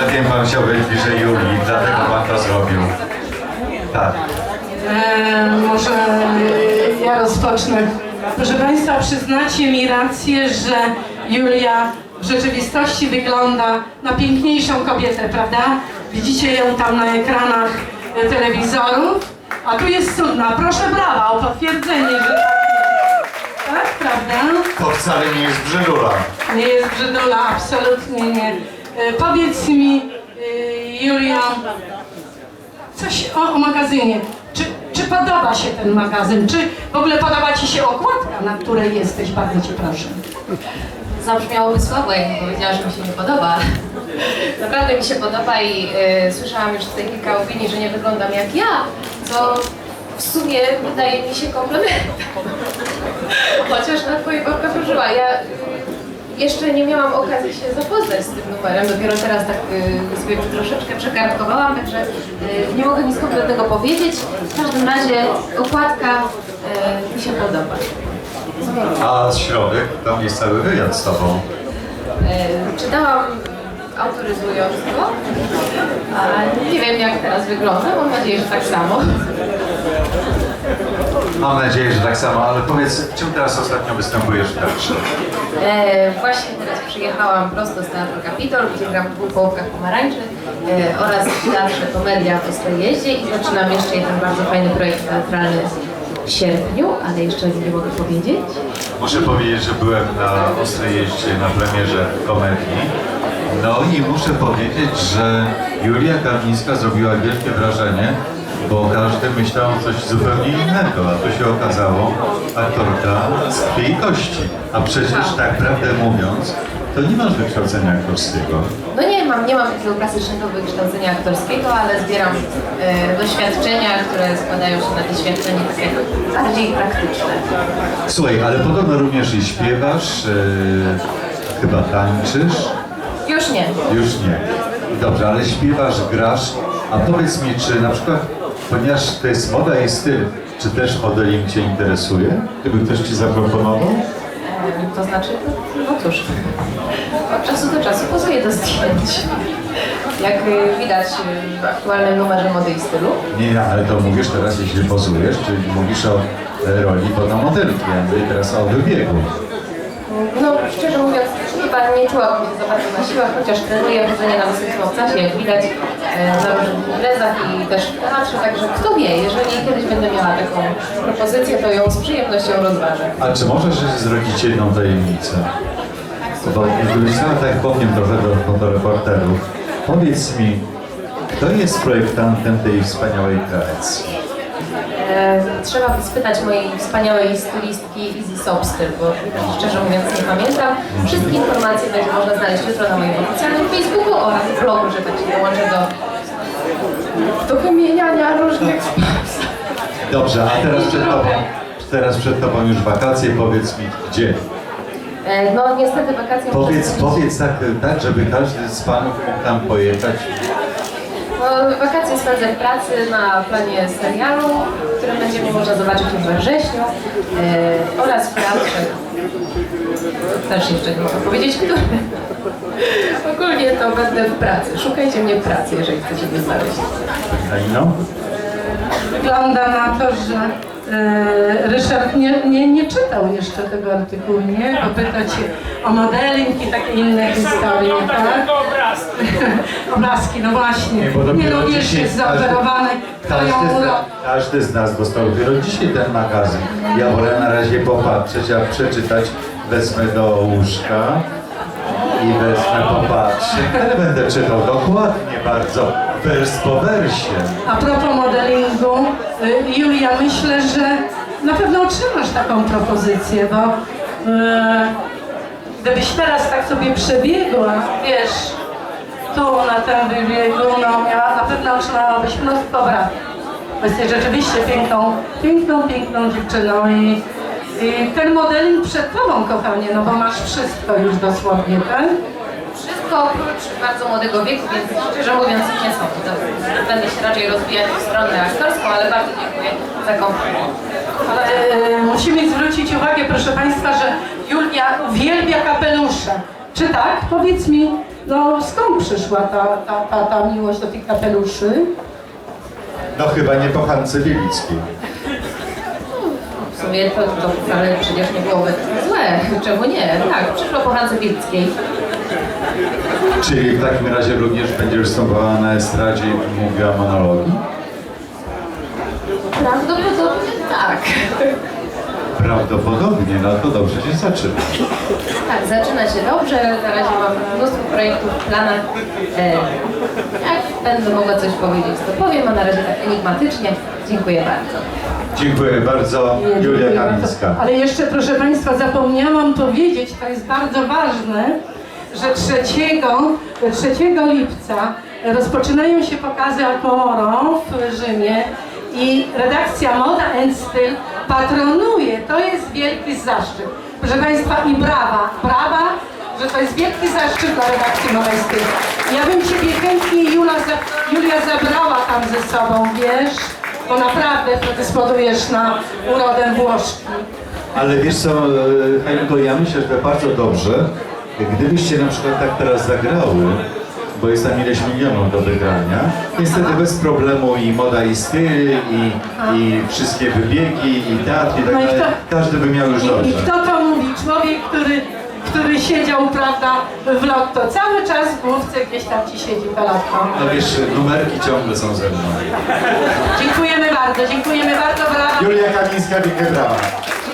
Ja wiem, pan chciał być bliżej Julii, dlatego pan to zrobił. Tak. Może ja rozpocznę. Proszę Państwa, przyznacie mi rację, że Julia w rzeczywistości wygląda na piękniejszą kobietę, prawda? Widzicie ją tam na ekranach telewizorów, a tu jest cudna. Proszę brawa o potwierdzenie, że tak jest. Tak, prawda? To wcale nie jest brzydula. Nie jest brzydula, absolutnie nie. Powiedz mi, Julia, coś o magazynie. Czy podoba się ten magazyn? Czy w ogóle podoba Ci się okładka, na której jesteś? Bardzo Cię proszę. Zabrzmiałoby słabo, jakbym powiedziała, że mi się nie podoba. Naprawdę mi się podoba i słyszałam już tutaj kilka opinii, że nie wyglądam jak ja, co w sumie wydaje mi się komplementem. Chociaż na twojej babka przeżyła. Ja jeszcze nie miałam okazji się zapoznać z tym numerem, dopiero teraz tak sobie troszeczkę przekartkowałam, także nie mogę nic konkretnego powiedzieć. W każdym razie okładka mi się podoba. A z środek, tam jest cały wywiad z tobą. Czytałam autoryzując go, a nie wiem jak teraz wygląda, mam nadzieję, że tak samo. Mam nadzieję, że tak samo, ale powiedz, czym teraz ostatnio występujesz w teatrze? Właśnie teraz przyjechałam prosto z Teatru Kapitol, gdzie gram w dwóch połówkach pomarańczy oraz w Teatrze Komedia w Ostrojeździe i zaczynam jeszcze jeden bardzo fajny projekt teatralny w sierpniu, ale jeszcze nie mogę powiedzieć. Muszę powiedzieć, że byłem na Ostrojeździe na premierze komedii. No i muszę powiedzieć, że Julia Karnińska zrobiła wielkie wrażenie, bo każdy myślał coś zupełnie innego, a tu się okazało aktorka z krwi i kości. A przecież tak prawdę mówiąc, to nie masz wykształcenia aktorskiego. No nie mam takiego klasycznego wykształcenia aktorskiego, ale zbieram doświadczenia, które składają się na doświadczenie takie bardziej praktyczne. Słuchaj, ale podobno również i śpiewasz, chyba tańczysz. Już nie. Już nie. Dobrze, ale śpiewasz, grasz, a powiedz mi, czy na przykład, ponieważ to jest moda i styl, czy też modeling Cię interesuje? Gdyby ktoś Ci zaproponował? To znaczy, no cóż, od czasu do czasu pozuję do zdjęć. Jak widać w aktualnym numerze Mody i Stylu. Nie, ale to mówisz teraz, jeśli pozujesz, czyli mówisz o roli fotomodelki, a mówię teraz o wybiegu. No, szczerze mówiąc, chyba nie czułabym się za bardzo na siłach, chociaż trenuję chodzenie na wysokim obcasie, jak widać na różnych imprezach i też w teatrze, także kto wie, jeżeli kiedyś będę miała taką propozycję, to ją z przyjemnością rozważę. A czy możesz zrobić jedną tajemnicę? Bo wyjrzałem, tak powiem trochę do fotoreporterów. Powiedz mi, kto jest projektantem tej wspaniałej kreacji? Trzeba by spytać mojej wspaniałej stylistki Izzy Sobstyl, bo szczerze mówiąc nie pamiętam. Wszystkie informacje będzie można znaleźć jutro na moim oficjalnym Facebooku oraz blogu, że tak się dołączę do wymieniania różnych spraw. Dobrze, a teraz przed tobą już wakacje, powiedz mi gdzie? No niestety wakacje Powiedz tak, żeby każdy z panów mógł tam pojechać. No, wakacje spędzę w pracy na planie serialu, który będzie można zobaczyć już we wrześniu oraz w teatrze. Też jeszcze nie mogę powiedzieć, który. Ogólnie to będę w pracy. Szukajcie mnie w pracy, jeżeli chcecie mnie znaleźć. No? Wygląda na to, że Ryszard nie czytał jeszcze tego artykułu, nie? Bo pyta Cię o modeling i takie inne historie, tak? Obrazki, no właśnie. Nie również jest zaoferowany. Każdy z nas dostał dopiero dzisiaj ten magazyn. Ja wolę na razie popatrzeć, a przeczytać wezmę do łóżka i wezmę popatrzeć. Ale będę czytał dokładnie bardzo, wers po wersie. A propos modelingu, Julia, myślę, że na pewno otrzymasz taką propozycję, bo gdybyś teraz tak sobie przebiegła, wiesz, tu na tym wybiegu, no na pewno otrzymałabyś mnóstwo braw. Bo jesteś rzeczywiście piękną dziewczyną i ten modeling przed tobą, kochanie, no bo masz wszystko już dosłownie, tak? Wszystko oprócz bardzo młodego wieku, więc szczerze mówiąc nie są. Będę się raczej rozwijać w stronę aktorską, ale bardzo dziękuję za komplement. Musimy zwrócić uwagę, proszę Państwa, że Julia uwielbia kapelusze. Czy tak? Powiedz mi, no skąd przyszła ta miłość do tych kapeluszy? No chyba nie po Hance Wielickiej. W sumie to wcale przecież nie byłoby złe. Czemu nie? Tak, przyszło po Hance Wilckiej. Czyli w takim razie również będziesz występowała na estradzie i mówiła monologi? Prawdopodobnie tak. Prawdopodobnie, no to dobrze się zaczyna. Tak, zaczyna się dobrze. Na razie mam mnóstwo projektów w planach. Jak będę mogła coś powiedzieć, to powiem, a na razie tak enigmatycznie. Dziękuję bardzo. Dziękuję bardzo, Julia Dziękuję Kamińska. bardzo. Ale jeszcze, proszę Państwa, zapomniałam powiedzieć, to jest bardzo ważne, że 3 lipca rozpoczynają się pokazy Alpomoro w Rzymie i redakcja Moda and Styl patronuje. To jest wielki zaszczyt. Proszę Państwa, i brawa, że to jest wielki zaszczyt dla redakcji Moda and Styl. Ja bym Ciebie chętnie, Julia, zabrała tam ze sobą, wiesz? Bo naprawdę predysponujesz na urodę Włoszki. Ale wiesz co, Halinko, ja myślę, że bardzo dobrze, gdybyście na przykład tak teraz zagrały, bo jest tam ileś milionów do wygrania, niestety bez problemu i moda i styl, i wszystkie wybiegi, i teatr, i tak No i dalej. Każdy by miał już I dobrze. kto to mówi? Człowiek, który siedział, prawda, w lotto. Cały czas w główce gdzieś tam ci siedzi to lotto. No wiesz, numerki ciągle są ze mną. Dziękujemy bardzo, brawa. Julia Kamińska, wielkie brawa.